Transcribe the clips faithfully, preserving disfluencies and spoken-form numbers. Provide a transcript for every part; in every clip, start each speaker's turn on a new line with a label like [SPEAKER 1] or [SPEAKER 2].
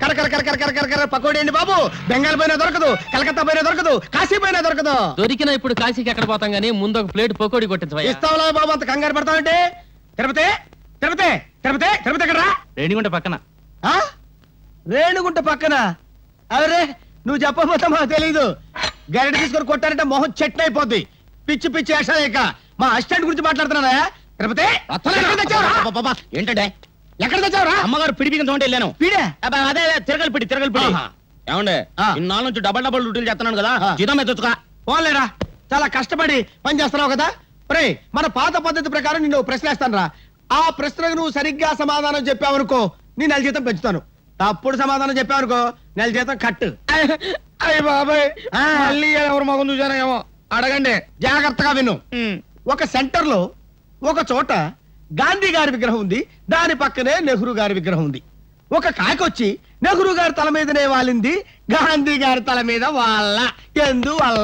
[SPEAKER 1] కర కర కర కర కర కర కర పకోడీ అండి బాబు. బెంగాల్ పోయినా దొరకదు, కలకత్తా పోయినా దొరకదు, కాశీ పోయినా దొరకదు.
[SPEAKER 2] దొరికినా ఇప్పుడు కాశీకి ఎక్కడ పోతాం గానీ ముందు ఒక ప్లేట్ పకోడీ కొట్టించవయ్యా.
[SPEAKER 1] ఇస్తావులా బాబు, అంత కంగారు పడతావంటే. తిరుపతి తిరుపతి తిరుపతి తిరుపతి ఎక్కడరా?
[SPEAKER 2] రేణిగుంట పక్కన.
[SPEAKER 1] ఆ రేణుగుంట పక్కన. అరే నువ్వు చెప్పబోతా మాకు తెలీదు. గరిట తీసుకొని కొట్టారంటే మొహం చెట్టు అయిపోద్ది. పిచ్చి పిచ్చి వేషాలేక మా అసిస్టెంట్ గురించి మాట్లాడుతున్నా. తిరుపతి
[SPEAKER 3] ఏంటంటే
[SPEAKER 1] ఎక్కడ తెచ్చావురా?
[SPEAKER 3] అమ్మగారు పిడి బియ్యం తోంటే వెళ్ళాను.
[SPEAKER 1] పీడే
[SPEAKER 3] అదే తిరగలి పిడి తిరగలి పిడి.
[SPEAKER 1] ఆహా.
[SPEAKER 3] ఏమండే
[SPEAKER 1] ఆ.
[SPEAKER 3] ఇన్నాళ్ళ నుంచి డబల్ డబల్ డ్యూటీలు చేస్తున్నాను కదా,
[SPEAKER 1] ఆ.
[SPEAKER 3] జీతం మీద తెచ్చుకో.
[SPEAKER 1] పోలేరా, చాలా కష్టపడి పని చేస్తున్నావు కదా. రే మన పాత పద్ధతి ప్రకారం నిన్ను ప్రశ్న వేస్తాను రా. ఆ ప్రశ్నకు నువ్వు సరిగ్గా సమాధానం చెప్పావనుకో నీ నెల జీతం పెంచుతాను. తప్పుడు సమాధానం చెప్పావనుకో నెల జీతం కట్టు.
[SPEAKER 3] అయ్య బాబాయ్,
[SPEAKER 1] ఆ.
[SPEAKER 3] మళ్ళీ ఎవరు మగం చూసానో ఏమో.
[SPEAKER 1] అడగండి, జాగ్రత్తగా విను. ఒక సెంటర్ లో ఒక చోట గాంధీ గారి విగ్రహం ఉంది, దాని పక్కనే నెహ్రూ గారి విగ్రహం ఉంది. ఒక కాకొచ్చి నెహ్రూ గారి తల మీదనే వాలింది, గాంధీ గారి తల మీద వాళ్ళ ఎందువల్ల?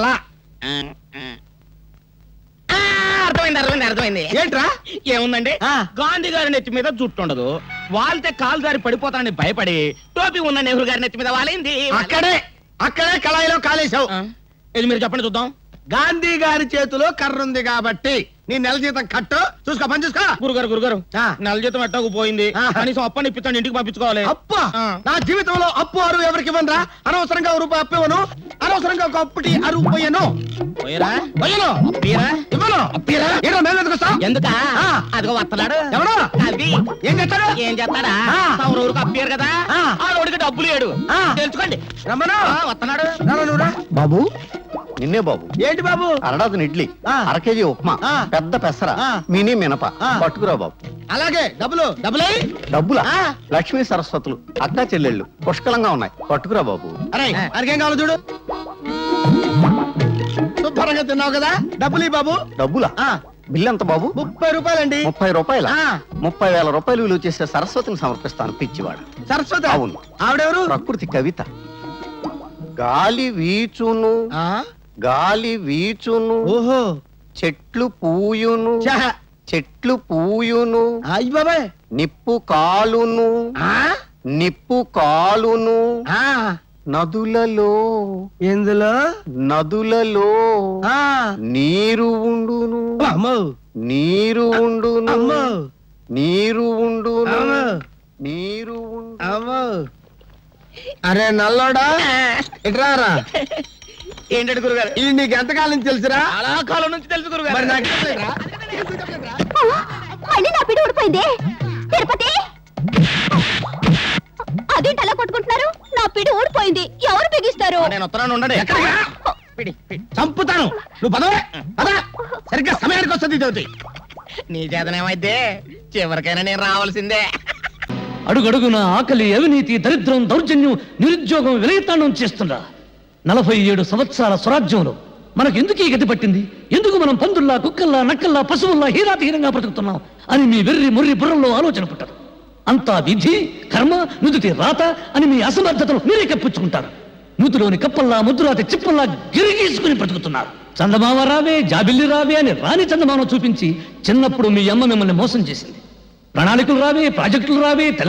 [SPEAKER 3] ఆ, అర్థమైంది అర్థమైంది అర్థమైంది.
[SPEAKER 1] ఏంట్రా?
[SPEAKER 3] ఏముందండి,
[SPEAKER 1] ఆ.
[SPEAKER 3] గాంధీ గారి నెత్తి మీద జుట్టు ఉండదు, వాళ్తే కాలు జారి పడిపోతానని భయపడి టోపీ ఉన్న నెహ్రూ గారి నెత్తి మీద వాలింది.
[SPEAKER 1] అక్కడే అక్కడే కళాయిలో కాలేశావు.
[SPEAKER 3] ఆ, ఇది మీరు చెప్పండి చూద్దాం.
[SPEAKER 1] గాంధీ గారి చేతిలో కర్ర ఉంది కాబట్టి నీ నెల జీతం కట్టు. చూసుకో, పని చూసుకో.
[SPEAKER 3] గురుగారు గురుగారు
[SPEAKER 1] ఆ.
[SPEAKER 3] నెల జీతం ఎట్టకు పోయింది,
[SPEAKER 1] ఆ.
[SPEAKER 3] కనీసం అప్పని ఇప్పిస్తాను, ఇంటికి పంపించుకోవాలి.
[SPEAKER 1] అప్ప
[SPEAKER 3] ఆ.
[SPEAKER 1] నా జీవితంలో అప్పు అరువు ఎవరికి ఇవ్వనురా. అనవసరంగా ఒక రూపాయి అప్పు ఇవ్వను, అనవసరంగా ఒక అప్పుటి అరువు పోయాను.
[SPEAKER 3] పోయరా
[SPEAKER 1] పోయాను
[SPEAKER 3] అప్పీరా
[SPEAKER 1] ఇవ్వను.
[SPEAKER 3] అప్పీరా
[SPEAKER 1] ఏంటో మేము ఎందుకు వస్తాం?
[SPEAKER 3] ఎందుకా?
[SPEAKER 1] ఆ.
[SPEAKER 3] అదిగో వస్తున్నాడు.
[SPEAKER 1] ఎవడు?
[SPEAKER 3] అవి
[SPEAKER 1] ఏం చేస్తాడు?
[SPEAKER 3] ఏం చేస్తాడా?
[SPEAKER 1] ఆ.
[SPEAKER 3] తమరు ఊరికి అప్పారు కదా,
[SPEAKER 1] ఆ.
[SPEAKER 3] ఆ రోడ్డుకి డబ్బులు లేడు.
[SPEAKER 1] ఆ.
[SPEAKER 3] తెలుసుకోండి.
[SPEAKER 1] రమ్మను.
[SPEAKER 3] ఆ, వస్తున్నాడు.
[SPEAKER 1] రారా నువ్వురా.
[SPEAKER 4] బాబు నిన్నే బాబు.
[SPEAKER 1] ఏంటి బాబు?
[SPEAKER 4] అరడాదుని ఇడ్లీ,
[SPEAKER 1] ఆ.
[SPEAKER 4] అర కేజీ ఉప్మా,
[SPEAKER 1] ఆ.
[SPEAKER 4] పెద్ద పెసర,
[SPEAKER 1] ఆ.
[SPEAKER 4] మినీ మినప
[SPEAKER 1] ఆ.
[SPEAKER 4] పట్టుకురా బాబు.
[SPEAKER 1] అలాగే డబ్బులు డబ్బులే.
[SPEAKER 4] డబ్బులా?
[SPEAKER 1] ఆ.
[SPEAKER 4] లక్ష్మీ సరస్వతులు అక్కా చెల్లెళ్ళు పుష్కలంగా ఉన్నాయి, పట్టుకురా బాబు.
[SPEAKER 1] అరే అరికేం కావాలి చూడు. శుభ్రంగా తిన్నావు కదా, డబ్బులు ఈ బాబు.
[SPEAKER 4] డబ్బులా?
[SPEAKER 1] ఆ,
[SPEAKER 4] బిల్లు ఎంత బాబు?
[SPEAKER 1] ముప్పై రూపాయలండి.
[SPEAKER 4] ముప్పై రూపాయల
[SPEAKER 1] ఆ.
[SPEAKER 4] ముప్పై వేల రూపాయలు విలువ చేసే సరస్వతిని సమర్పిస్తాను పిచ్చివాడు.
[SPEAKER 1] సరస్వతి?
[SPEAKER 4] అవును.
[SPEAKER 1] ఆవిడెవరు?
[SPEAKER 4] ప్రకృతి కవిత. గాలి వీచును
[SPEAKER 1] ఆ,
[SPEAKER 4] గాలి వీచును
[SPEAKER 1] ఓహో,
[SPEAKER 4] చెట్లు పూయును
[SPEAKER 1] ఛ,
[SPEAKER 4] చెట్లు పూయును
[SPEAKER 1] అయ్య బాబాయ్.
[SPEAKER 4] నిప్పు కాలును
[SPEAKER 1] ఆ,
[SPEAKER 4] నిప్పు కాలును
[SPEAKER 1] ఆ,
[SPEAKER 4] నదులలో
[SPEAKER 1] ఎందులో?
[SPEAKER 4] నదులలో
[SPEAKER 1] ఆ,
[SPEAKER 4] నీరు ఉండును
[SPEAKER 1] అమ్మో
[SPEAKER 4] నీరు ఉండును
[SPEAKER 1] అమ్మో
[SPEAKER 4] నీరు ఉండును
[SPEAKER 1] అమ్మో
[SPEAKER 4] నీరు ఉండు.
[SPEAKER 1] అమ్మో. అరే నల్లోడా, ఇట్రారా.
[SPEAKER 3] ఏంటంటే గురుగారు,
[SPEAKER 1] ఇది నీకు ఎంతకాలం నుంచి తెలుసురా?
[SPEAKER 3] చాలా కాలం నుంచి తెలుసు
[SPEAKER 1] మరి
[SPEAKER 3] గురుగారు.
[SPEAKER 1] నాకు తెలియదురా?
[SPEAKER 5] మళ్ళీ నా పిడి ఊడిపోయింది. తిరుపతి, అదేంటి అలా కొట్టుకుంటున్నారు? నా పిడి ఊడిపోయింది, ఎవరు బిగిస్తారు?
[SPEAKER 3] నేను ఉత్తరాన్ని ఉండండి.
[SPEAKER 1] ఎక్కడికి?
[SPEAKER 3] పిడి, పిడి.
[SPEAKER 1] చంపుతాను. నువ్వు పదవే పద. సరిగ్గా సమయానికి వస్తుంది ఇది.
[SPEAKER 3] నీ చేతనేమైతే చివరికైనా నేను రావాల్సిందే.
[SPEAKER 2] అడుగడుగున ఆకలి, అవినీతి, దరిద్రం, దౌర్జన్యం, నిరుద్యోగం విలయతాండం చేస్తుందా నలభై ఏడు సంవత్సరాల స్వరాజ్యంలో మనకు ఎందుకు ఈ గతి పట్టింది? ఎందుకు మనం పందుల్లా, కుక్కల్లా, నక్కల్లా, పశువుల్లా హీరాతిహీనంగా బ్రతుకుతున్నాం అని మీ వెర్రి ముర్రి బుర్రంలో ఆలోచన పుట్టదు. అంతా విధి, కర్మ, నుదుటి రాత అని మీ అసమర్థతను మీరే కప్పించుకుంటారు. నూతిలోని కప్పల్లా, ముద్దురాతి చిప్పల్లా గిరిగీసుకుని బ్రతుకుతున్నారు. చందమామ రావే, జాబిల్లి రావే అని రాని చందమామ చూపించి చిన్నప్పుడు మీ అమ్మ మిమ్మల్ని మోసం చేసింది. ప్రణాళికలు రావే, ప్రాజెక్టులు రావే,